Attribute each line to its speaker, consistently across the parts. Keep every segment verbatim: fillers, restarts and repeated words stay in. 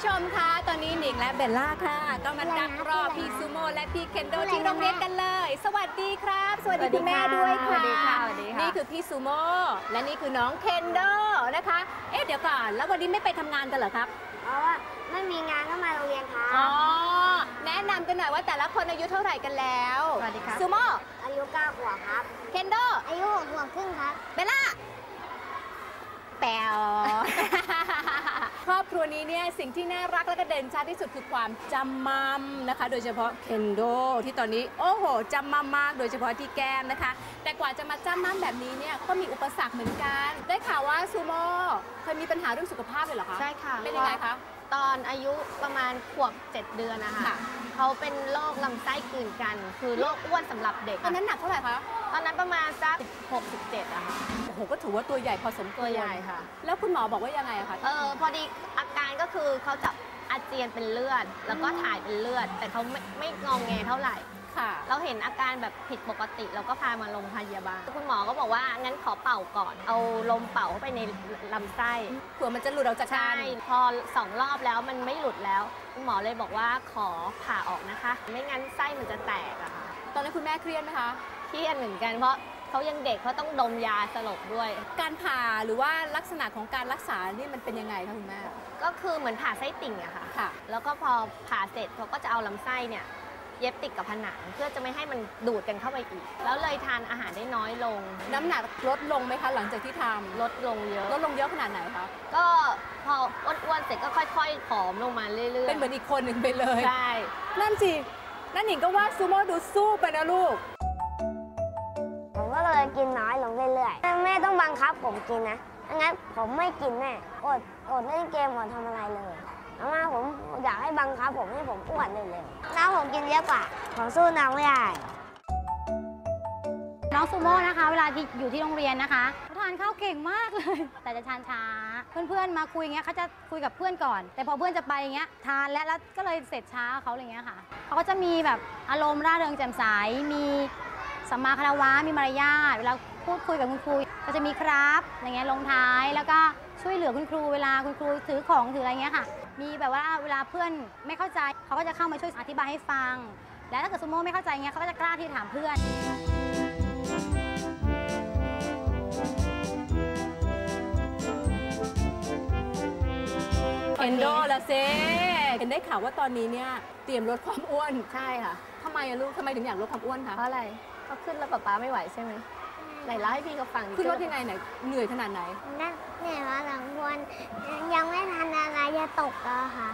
Speaker 1: ผู้ชมคะตอนนี้หนิงและเบลล่าค่ะก็มาดักรอพี่ซูโม่และพี่เคนโดที่โรงเรียนกันเลยสวัสดีครับสวัสดีคุณแม่ด้วยค่ะนี่คือพี่ซูโม่และนี่คือน้องเคนโดนะคะเอ๊ะเดี๋ยวก่อนแล้ววันนี้ไม่ไปทำงานกันเหรอครับ
Speaker 2: เพราะว่าไม่มีงานก็มาโรงเรียนครับ
Speaker 1: อ๋อแนะนำกันหน่อยว่าแต่ละคนอายุเท่าไหร่กันแล้ว
Speaker 2: สวัสดีครับ
Speaker 1: ซูโม่
Speaker 2: อายุเก้าขวบครับ
Speaker 1: เคนโด
Speaker 2: อายุหกขวบครึ่งครับ
Speaker 1: เบลล่าแป๋ว ครอบครัวนี้เนี่ยสิ่งที่น่ารักและก็เด่นชัดที่สุดคือความจำมัมนะคะโดยเฉพาะเคนโดที่ตอนนี้โอ้โหจำมัมมากโดยเฉพาะที่แก้มนะคะแต่กว่าจะมาจำมัมแบบนี้เนี่ยก็มีอุปสรรคเหมือนกันได้ข่าวว่าซูโม่เคยมีปัญหาเรื่องสุขภาพเลยเหรอคะ
Speaker 3: ใช่ค่ะ
Speaker 1: เป็นยังไงคะ
Speaker 3: ตอนอายุประมาณขวบเจ็ดเดือนนะคะเขาเป็นโรคลำไส้กลืนกันคือโรคอ้วนสำหรับเด็ก
Speaker 1: ตอนนั้นหนักเท่าไหร่คะ
Speaker 3: ตอนนั้นประมาณสักหกสิบเจ็ดอะค่ะ
Speaker 1: โอ้โหก็ถือว่าตัวใหญ่พอสมควร
Speaker 3: ตัวใหญ่ค่ะ
Speaker 1: แล้วคุณหมอบอกว่ายังไงคะ
Speaker 3: เออพอดีอาการก็คือเขาจะอาเจียนเป็นเลือดแล้วก็ถ่ายเป็นเลือดแต่เขาไม่ไม่งองแงเท่าไหร่เราเห็นอาการแบบผิดปกติเราก็พามาโรงพยาบาลคุณหมอก็บอกว่างั้นขอเป่าก่อนเอาลมเป่าเข้าไปในลำไส้
Speaker 1: เผื่อมันจะหลุดออกจากกัน
Speaker 3: ใช่พอสองรอบแล้วมันไม่หลุดแล้วคุณหมอเลยบอกว่าขอผ่าออกนะคะไม่งั้นไส้มันจะแตกอะค่ะ
Speaker 1: ตอนนั้นคุณแม่เครียดไหมคะ
Speaker 3: เครียดเหมือนกันเพราะเขายังเด็กเขาต้องดมยาสลบด้วย
Speaker 1: การผ่าหรือว่าลักษณะของการรักษานี่มันเป็นยังไงคะคุณแม่
Speaker 3: ก็คือเหมือนผ่าไส้ติ่งอะค่ะค่ะแล้วก็พอผ่าเสร็จเขาก็จะเอาลำไส้เนี่ยเย็บติดกับผนังเพื่อจะไม่ให้มันดูดกันเข้าไปอีกแล้วเลยทานอาหารได้น้อยลง
Speaker 1: น้ำหนักลดลงไหมคะหลังจากที่ทำ
Speaker 3: ลดลงเยอะ
Speaker 1: ลดลงเยอะขนาดไหนคะ
Speaker 3: ก็พออ้วนๆเสร็จก็ค่อยๆผอมลงมาเรื่อยๆ
Speaker 1: เป็นเหมือนอีกคนหนึ่งไปเลย
Speaker 3: ใช่
Speaker 1: นั่นสินั่นหนิงก็ว่าซูโม่ดูสู้ไปนะลูก
Speaker 2: ผมก็เลยกินน้อยลงเรื่อยๆแม่ต้องบังคับผมกินนะงั้นผมไม่กินแน่อดอดเล่นเกมอดทำอะไรเลยอาม่าผมอยากให้บังคับผมให้ผมอ้วนเร็วๆน้องผมกินเยอะกว่าผมสู้น้องไม่ได้
Speaker 4: น้องซูโม่นะคะเวลาที่อยู่ที่โรงเรียนนะคะเขาทานข้าวเก่งมากเลยแต่จะทานช้าเพื่อนๆมาคุยอย่างเงี้ยเขาจะคุยกับเพื่อนก่อนแต่พอเพื่อนจะไปอย่างเงี้ยทานแล้วแล้วก็เลยเสร็จช้าเขาอะไรเงี้ยค่ะเขาก็จะมีแบบอารมณ์ร่าเริงแจ่มใสมีสัมมาคารวะมีมารยาทเวลาพูดคุยกับคุณครูก็จะมีครับอย่างเงี้ยลงท้ายแล้วก็ช่วยเหลือคุณครูเวลาคุณครูถือของถืออะไรเงี้ยค่ะมีแบบว่าเวลาเพื่อนไม่เข้าใจเขาก็จะเข้ามาช่วยอธิบายให้ฟังแล้วถ้าเกิดซูโม่ไม่เข้าใจเงี้ยเขาก็จะกล้าที่จะถามเพื่อน
Speaker 1: เคนโดละเซ่เห็นได้ข่าวว่าตอนนี้เนี่ยเตรียมลดความอ้วน
Speaker 3: ใช่ค่ะ
Speaker 1: ทำไมอะลูกทำไมถึงอยากลดความอ้วนคะ
Speaker 3: เพราะอะไรเขาขึ้นแล้วป๊าป๊าไม่ไหวใช่ไหมไหนเล่าให้พี่เขาฟัง
Speaker 1: ขึ้นลดยังไงไหนเหนื่อยขนาดไหน
Speaker 2: นั่นเหนื่อยมาหลังวันยังไม่ทันอะไรจะตกแล้วค่ะ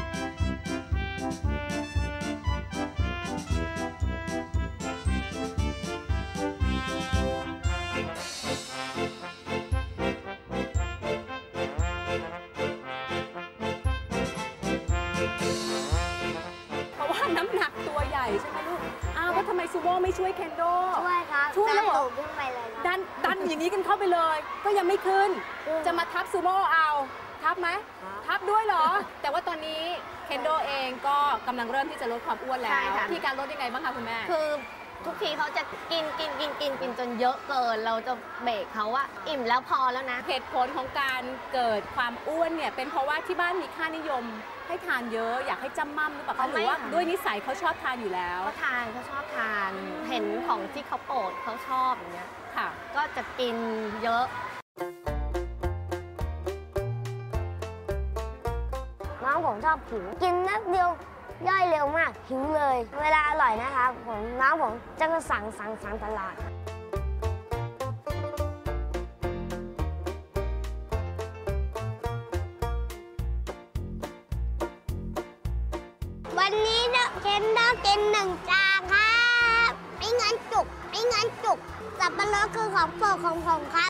Speaker 1: เพราะว่าน้ำหนักตัวใหญ่ใช่ไหมลูกอ้าวแล้วทำไมซูโม่ไม่ช่วยเคนโด
Speaker 2: ช่วยครับ
Speaker 1: ช่วยแล้ว
Speaker 2: ขึ้นไปเลย
Speaker 1: ดันดันอย่างนี้กันเข้าไปเลยก็ยังไม่ขึ้นจะมาทับซูโม่เอาทับไหมทับด้วยเหรอแต่ว่าตอนนี้เคนโดเองก็กำลังเริ่มที่จะลดความอ้วนแล้วที่การลดยังไงบ้างคะคุณแม่
Speaker 3: คือทุกทีเขาจะกินกินกินกินกินจนเยอะเกินเราจะเบรกเขาว่าอิ่มแล้วพอแล้วนะ
Speaker 1: เหตุผลของการเกิดความอ้วนเนี่ยเป็นเพราะว่าที่บ้านมีค่านิยมให้ทานเยอะอยากให้จำมั่มหรือเปล่าคะหรือว่าด้วยนิสัยเขาชอบทานอยู่แล้ว
Speaker 3: เขาทานเขาชอบทานเห็นของที่เขาโปรดเขาชอบอย่างเงี้ยค่ะก็จะกินเยอะ
Speaker 2: น้องผมชอบหิวกินนัดเดียวย่อยเร็วมากหิวเลยเวลาอร่อยนะครับผมน้องผมจะสั่งสั่งสั่งตลอดวันนี้เคนโดกินหนึ่งจานครับไม่งั้นจุกไม่งั้นจุกสับปะรดคือของโปรดของผมครับ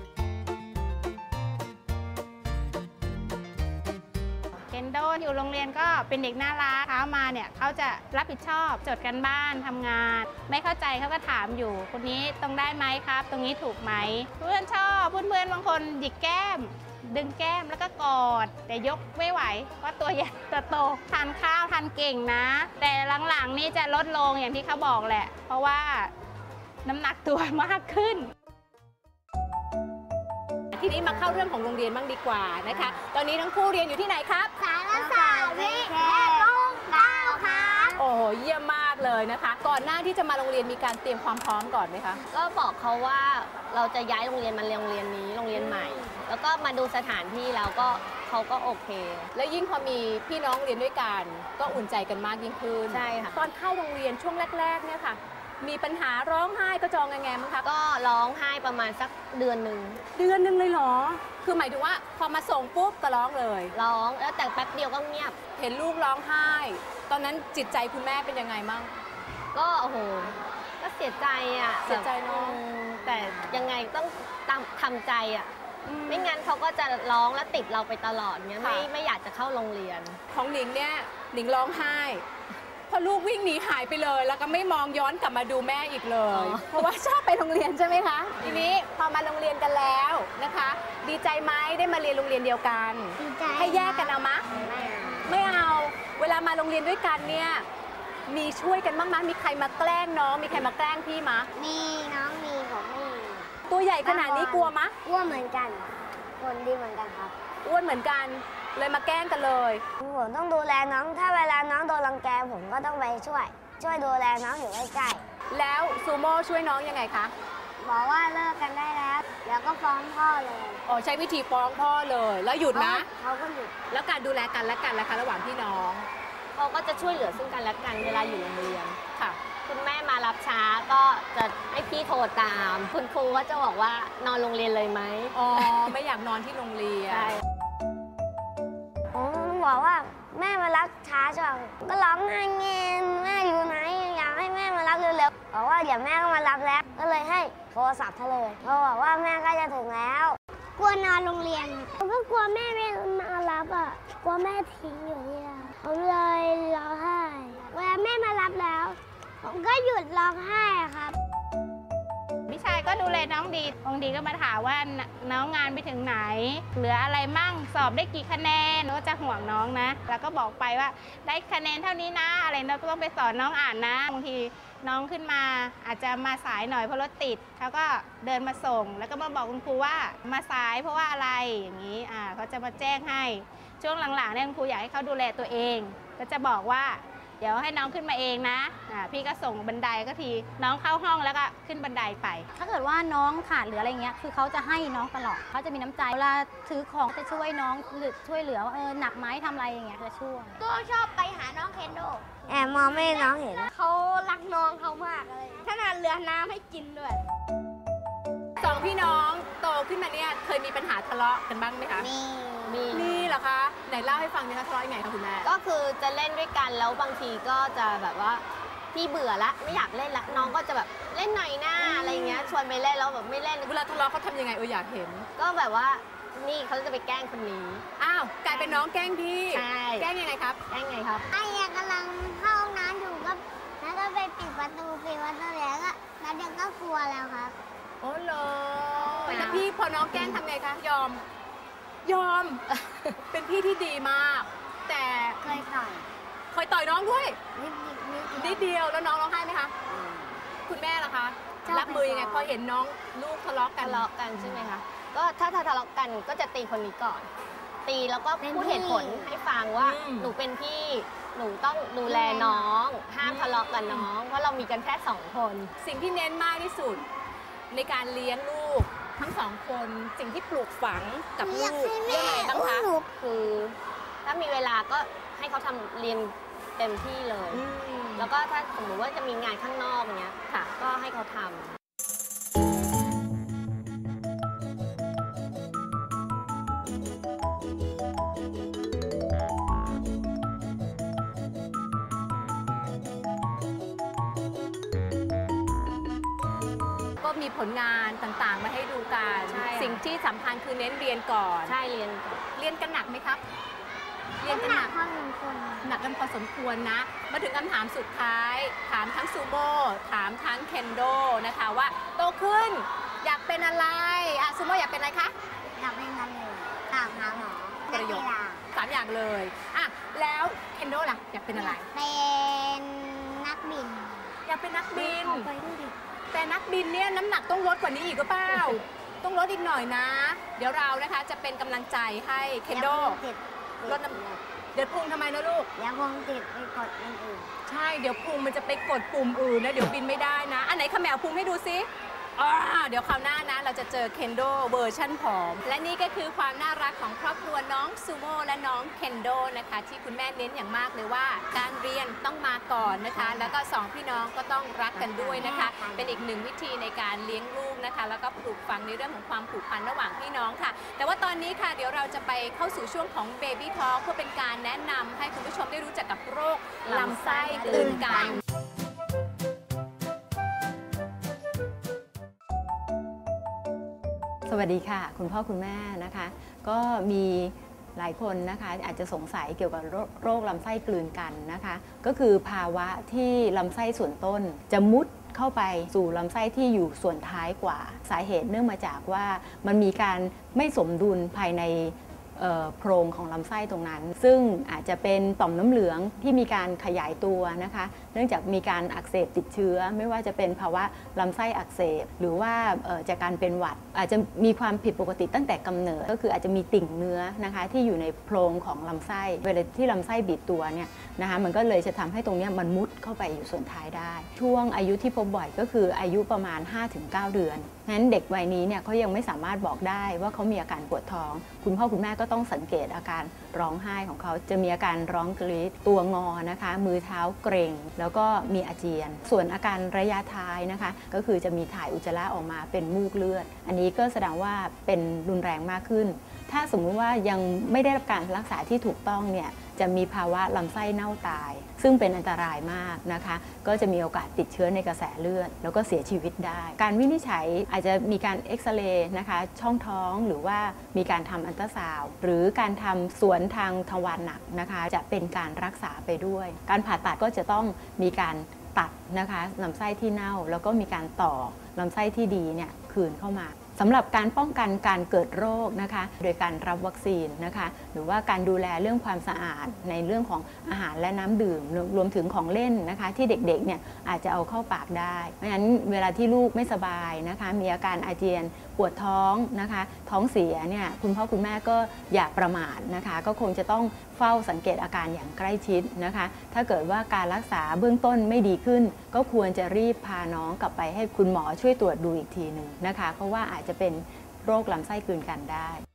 Speaker 5: เคนโดอยู่โรงเรียนก็เป็นเด็กน่ารักเช้ามาเนี่ยเขาจะรับผิดชอบจดกันบ้านทำงานไม่เข้าใจเขาก็ถามอยู่คนนี้ตรงได้ไหมครับตรงนี้ถูกไหมเพื่อนชอบเพื่อนๆบางคนหยิกแก้มดึงแก้มแล้วก็กอดแต่ยกไม่ไหวเพราะตัวใหญ่ตัวโตทานข้าวทานเก่งนะแต่หลังๆนี่จะลดลงอย่างที่เขาบอกแหละเพราะว่าน้ำหนักตัวมากขึ้น
Speaker 1: ทีนี้มาเข้าเรื่องของโรงเรียนบ้างดีกว่านะคะตอนนี้ทั้งคู่เรียนอยู่ที่ไหนครับ
Speaker 2: สารศาสสิแค่ต้องก้าวครับ
Speaker 1: โอ้โหเยี่ยมมากเลยนะคะ ก่อนหน้าที่จะมาโรงเรียนมีการเตรียมความพร้อมก่อนไหมคะ
Speaker 3: ก็บอกเขาว่าเราจะย้ายโรงเรียนมาโรงเรียนนี้โรงเรียนใหม่ แล้วก็มาดูสถานที่แล้วก็เขาก็โอเค
Speaker 1: แล้วยิ่งพอมีพี่น้องเรียนด้วยกันก็อุ่นใจกันมากยิ่งขึ้น
Speaker 3: ใช่ค่ะ
Speaker 1: ตอนเข้าโรงเรียนช่วงแรกๆเนี่ยค่ะ มีปัญหาร้องไห้กระจองแงๆมั้งคะ
Speaker 3: ก็ร้องไห้ประมาณสักเดือนหนึ่ง
Speaker 1: เดือนหนึงเลยเหรอ คือหมายถึงว่าพอมาส่งปุ๊บก็ร้องเลย
Speaker 3: ร้องแล้วแต่แป๊บเดียวก็เงียบ
Speaker 1: เห็นลูกร้องไห้ ตอนนั้นจิตใจคุณแม่เป็นยังไงมั่ง
Speaker 3: ก็โอ้โหก็เสียใจอ่ะ
Speaker 1: เสียใจเนอะ
Speaker 3: อืมแต่ยังไงต้องตามทำใจอ่ะไม่งั้นเขาก็จะร้องและติดเราไปตลอดเงี้ยไม่ไม่อยากจะเข้าโรงเรียน
Speaker 1: ของหนิงเนี่ยหนิงร้องไห้พอลูกวิ่งหนีหายไปเลย แล้วก็ไม่มองย้อนกลับมาดูแม่อีกเลย
Speaker 3: อ๋อ
Speaker 1: เพราะว่าชอบไปโรงเรียนใช่ไหมคะทีนี้พอมาโรงเรียนกันแล้วนะคะ ดีใจไหมได้มาเรียนโรงเรียนเดียวกัน
Speaker 2: ดีใจ
Speaker 1: ให้แยกกันเอามะ ไม่เอา เวลามาโรงเรียนด้วยกันเนี่ยมีช่วยกันบ้างมั้ยมีใครมาแกล้งน้องมีใครมาแกล้งพี่มะ
Speaker 2: มีน้องมีผมไม่มี
Speaker 1: ตัวใหญ่ขนาดนี้กลัวมะ
Speaker 2: อ้วนเหมือนกันคนดีเหมือนกันครับ
Speaker 1: อ้วนเหมือนกันเลยมาแกล้งกันเลย
Speaker 2: ผมต้องดูแลน้อง ถ้าเวลาน้องโดนรังแกผมก็ต้องไปช่วย ช่วยดูแลน้องอยู่ใกล้
Speaker 1: แล้วซูโม่ช่วยน้องยังไงคะ
Speaker 2: ๆบอกว่าเลิกกันได้แล้วเดี๋ยวก็ฟ้องพ่อเลย
Speaker 1: อ๋อใช้วิธีฟ้องพ่อเลย แล้วหยุดนะ
Speaker 2: เขาก็หยุด
Speaker 1: แล้วการดูแลกันและกันล่ะคะระหว่างพี่น้อง
Speaker 3: เขาก็จะช่วยเหลือซึ่งกันและกันเวลาอยู่โรงเรียน
Speaker 1: ค่ะ
Speaker 3: คุณแม่มารับช้าก็จะให้พี่โทรตาม คุณครูก็จะบอกว่านอนโรงเรียนเลยไหม
Speaker 1: อ๋อ ไม่อยากนอนที่โรงเรียน
Speaker 3: ใช่
Speaker 2: ผมบอกว่าแม่มารับช้าจังก็ร้องไห้เงี้ยแม่อยู่ไหนอยากให้แม่มารับเร็วๆบอกว่าเดี๋ยวแม่ก็มารับแล้วก็เลยให้โทรศัพท์เธอเลยเขาบอกว่าแม่ใกล้จะถึงแล้ว กลัวนอนโรงเรียนผมก็กลัวแม่ไม่มารับอ่ะกลัวแม่ทิ้งอยู่ที่นั่นผมเลยร้องไห้เวลาแม่มารับแล้ว ผมก็หยุดร้องไห้ครับ
Speaker 5: พี่ชายก็ดูแลน้องดีบางทีก็มาถามว่าน้น้องงานไปถึงไหน เหลืออะไรมั่งสอบได้กี่คะแนนก็จะห่วงน้องนะ แล้วก็บอกไปว่าได้คะแนนเท่านี้นะอะไรเราก็ต้องไปสอนน้องอ่านนะบางทีน้องขึ้นมาอาจจะมาสายหน่อยเพราะรถติดเขาก็เดินมาส่ง แล้วก็มาบอกคุณครูว่ามาสายเพราะว่าอะไรอย่างนี้อ่าเขาจะมาแจ้งให้ช่วงหลังๆเนี่ยคุณครูอยากให้เขาดูแลตัวเอง ก็จะบอกว่าเดี๋ยวให้น้องขึ้นมาเองนะอ่าพี่ก็ส่งบันไดก็ทีน้องเข้าห้องแล้วก็ขึ้นบันไดไป
Speaker 4: ถ้าเกิดว่าน้องขาดหรืออะไรเงี้ย คือเขาจะให้น้องตลอด เขาจะมีน้ำใจ เวลาถือของจะช่วยน้องหรือช่วยเหลือว่าเออหนักไหมทำอะไรอย่างเงี้ยจะช่วย
Speaker 2: ก็ชอบไปหาน้องเคนโดแอบมองไม่ให้น้องเห็นเขารักน้องเขามากเลยขนาดเรือน้ำให้กินด้วย
Speaker 1: สองพี่น้องโตขึ้นมาเนี่ยเคยมีปัญหาทะเลาะกันบ้างไหมคะ
Speaker 2: มี
Speaker 3: มี
Speaker 1: นี่เหรอคะ ไหนเล่าให้ฟังนะคะทะเลาะยังไงคะคุณแม่
Speaker 3: ก็คือจะเล่นด้วยกันแล้วบางทีก็จะแบบว่าพี่เบื่อละไม่อยากเล่นละน้องก็จะแบบเล่นหน่อยหน้าอะไรเงี้ยชวนไปเล่นแล้วแบบไม่เล่น
Speaker 1: เวลาทะเลาะเขาทำยังไงเอออยากเห็น
Speaker 3: ก็แบบว่านี่เขาจะไปแกล้งคนนี้
Speaker 1: อ้าวกลายเป็นน้องแกล้งพี่
Speaker 3: ใช่
Speaker 1: แกล้งยังไงครับ
Speaker 3: แกล้งไงครับ
Speaker 2: ไอ้ยังกำลังเข้าห้องน้ำอยู่ก็แล้วก็ไปปิดประตูปิดประตูแล้วก็แล้วเด็กก็กลัวแล้วครับ
Speaker 1: โอ้เหรอแล้วพี่พอน้องแกล้งทำไงคะ ยอม ยอม เป็นพี่ที่ดีมาก แต่
Speaker 2: เคยต่อย
Speaker 1: เคยต่อยน้องด้วย
Speaker 2: นิดนิดนิด
Speaker 1: นิดเดียวแล้วน้องร้องไห้ไหมคะ คุณแม่ล่ะคะ
Speaker 2: ชอบ
Speaker 1: รับมือยังไง
Speaker 2: ไปฟ้อง
Speaker 1: พอเห็นน้องลูกทะเลาะกัน
Speaker 3: ทะเลาะกันใช่ไหมคะ ก็ถ้าถ้าทะเลาะกันก็จะตีคนนี้ก่อน ตีแล้วก็พูดเหตุผลให้ฟังว่าหนูเป็นพี่ หนูต้องดูแลน้อง ห้ามทะเลาะกับน้อง เพราะเรามีกันแค่สองคน
Speaker 1: สิ่งที่เน้นมากที่สุด ในการเลี้ยงลูกทั้งสองคน สิ่งที่ปลูกฝังกับลูกเรื่องอะไรบ้างคะ
Speaker 3: คือถ้ามีเวลาก็ให้เขาทำเรียนเต็มที่เลย
Speaker 1: อืม
Speaker 3: แล้วก็ถ้าสมมติว่าจะมีงานข้างนอกเนี้ยค่ะ ก็ให้เขาทำ
Speaker 1: ก็มีผลงานต่างๆ มาให้ดูกัน
Speaker 3: ใช่ค่ะ
Speaker 1: สิ่งที่สำคัญคือเน้นเรียนก่อน
Speaker 3: ใช่เรียนก่อน
Speaker 1: เรียนกันหนักไหมครับ เรียนกันหนัก
Speaker 2: ข้อหนึ่งคน
Speaker 1: หนักกันพอสมควรนะ มาถึงคำถามสุดท้าย ถามทั้งซูโม่ ถามทั้งเคนโดนะคะว่าโตขึ้นอยากเป็นอะไรอ่ะซูโม่อยากเป็นอะไรคะ
Speaker 2: อยากเป็นนักเรียนตามหาหมอ
Speaker 1: ประโยค
Speaker 2: นักกีฬา
Speaker 1: สามอย่างเลยอ่ะแล้วเคนโดล่ะอยากเป็นอะไร
Speaker 2: เป็นนักบิน
Speaker 1: อยากเป็นนักบิน
Speaker 2: เอาไปดูดิ
Speaker 1: แต่นักบินเนี่ยน้ำหนักต้องลดกว่านี้อีกหรือเปล่า ต้องลดอีกหน่อยนะ เดี๋ยวเรานะคะจะเป็นกำลังใจให้เคนโด ลดน้ำเดี๋ยวพุงทำไมนะลูก
Speaker 2: เดี๋ยวผมติดไปกดอันอื่น
Speaker 1: ใช่เดี๋ยวพุงมันจะไปกดปุ่มอื่นนะเดี๋ยวบินไม่ได้นะ อันไหนเขมวพุงให้ดูซิอ่าเดี๋ยวคราวหน้านะเราจะเจอเคนโดเวอร์ชั่นผอมและนี่ก็คือความน่ารักของครอบครัวน้องซูโม่และน้องเคนโดนะคะที่คุณแม่เน้นอย่างมากเลยว่าการเรียนต้องมาก่อนนะคะแล้วก็สองพี่น้องก็ต้องรักกันด้วยนะคะเป็นอีกหนึ่งวิธีในการเลี้ยงลูกนะคะแล้วก็ปลูกฝังในเรื่องของความผูกพันระหว่างพี่น้องค่ะแต่ว่าตอนนี้ค่ะเดี๋ยวเราจะไปเข้าสู่ช่วงของ Baby Talk เพื่อเป็นการแนะนำให้คุณผู้ชมได้รู้จักกับโรคลำไส้กลืนกัน
Speaker 6: สวัสดีค่ะคุณพ่อคุณแม่นะคะก็มีหลายคนนะคะอาจจะสงสัยเกี่ยวกับโรคลำไส้กลืนกันนะคะก็คือภาวะที่ลำไส้ส่วนต้นจะมุดเข้าไปสู่ลำไส้ที่อยู่ส่วนท้ายกว่าสาเหตุเนื่องมาจากว่ามันมีการไม่สมดุลภายในโพรงของลำไส้ตรงนั้นซึ่งอาจจะเป็นต่อมน้ำเหลืองที่มีการขยายตัวนะคะเนื่องจากมีการอักเสบติดเชื้อไม่ว่าจะเป็นภาวะลำไส้อักเสบหรือว่าจากการเป็นหวัดอาจจะมีความผิดปกติตั้งแต่กำเนิดก็คืออาจจะมีติ่งเนื้อนะคะที่อยู่ในโพรงของลำไส้เวลาที่ลำไส้บีบตัวเนี่ยนะคะมันก็เลยจะทำให้ตรงนี้มันมุดเข้าไปอยู่ส่วนท้ายได้ช่วงอายุที่พบบ่อยก็คืออายุประมาณ ห้าถึงเก้า เดือนงั้นเด็กวัยนี้เนี่ยเขายังไม่สามารถบอกได้ว่าเขามีอาการปวดท้องคุณพ่อคุณแม่ก็ต้องสังเกตอาการร้องไห้ของเขาจะมีอาการร้องกรีดตัวงอนะคะมือเท้าเกร็งแล้วก็มีอาเจียนส่วนอาการระยะท้ายนะคะก็คือจะมีถ่ายอุจจาระออกมาเป็นมูกเลือดอันนี้ก็แสดงว่าเป็นรุนแรงมากขึ้นถ้าสมมุติว่ายังไม่ได้รับการรักษาที่ถูกต้องเนี่ยจะมีภาวะลำไส้เน่าตายซึ่งเป็นอันตรายมากนะคะก็จะมีโอกาสติดเชื้อในกระแสเลือดแล้วก็เสียชีวิตได้การวินิจฉัยอาจจะมีการเอ็กซเรย์นะคะช่องท้องหรือว่ามีการทำอัลตราซาวด์หรือการทำสวนทางทวารหนักนะคะจะเป็นการรักษาไปด้วยการผ่าตัดก็จะต้องมีการตัดนะคะลำไส้ที่เน่าแล้วก็มีการต่อลำไส้ที่ดีเนี่ยคืนเข้ามาสำหรับการป้องกันการเกิดโรคนะคะโดยการรับวัคซีนนะคะหรือว่าการดูแลเรื่องความสะอาดในเรื่องของอาหารและน้ำดื่มรวมถึงของเล่นนะคะที่เด็กๆเนี่ยอาจจะเอาเข้าปากได้เพราะฉะนั้นเวลาที่ลูกไม่สบายนะคะมีอาการอาเจียนปวดท้องนะคะท้องเสียเนี่ยคุณพ่อคุณแม่ก็อย่าประมาทนะคะก็คงจะต้องเฝ้าสังเกตอาการอย่างใกล้ชิดนะคะถ้าเกิดว่าการรักษาเบื้องต้นไม่ดีขึ้นก็ควรจะรีบพาน้องกลับไปให้คุณหมอช่วยตรวจดูอีกทีหนึ่งนะคะเพราะว่าอาจจะเป็นโรคลำไส้กลืนกันได้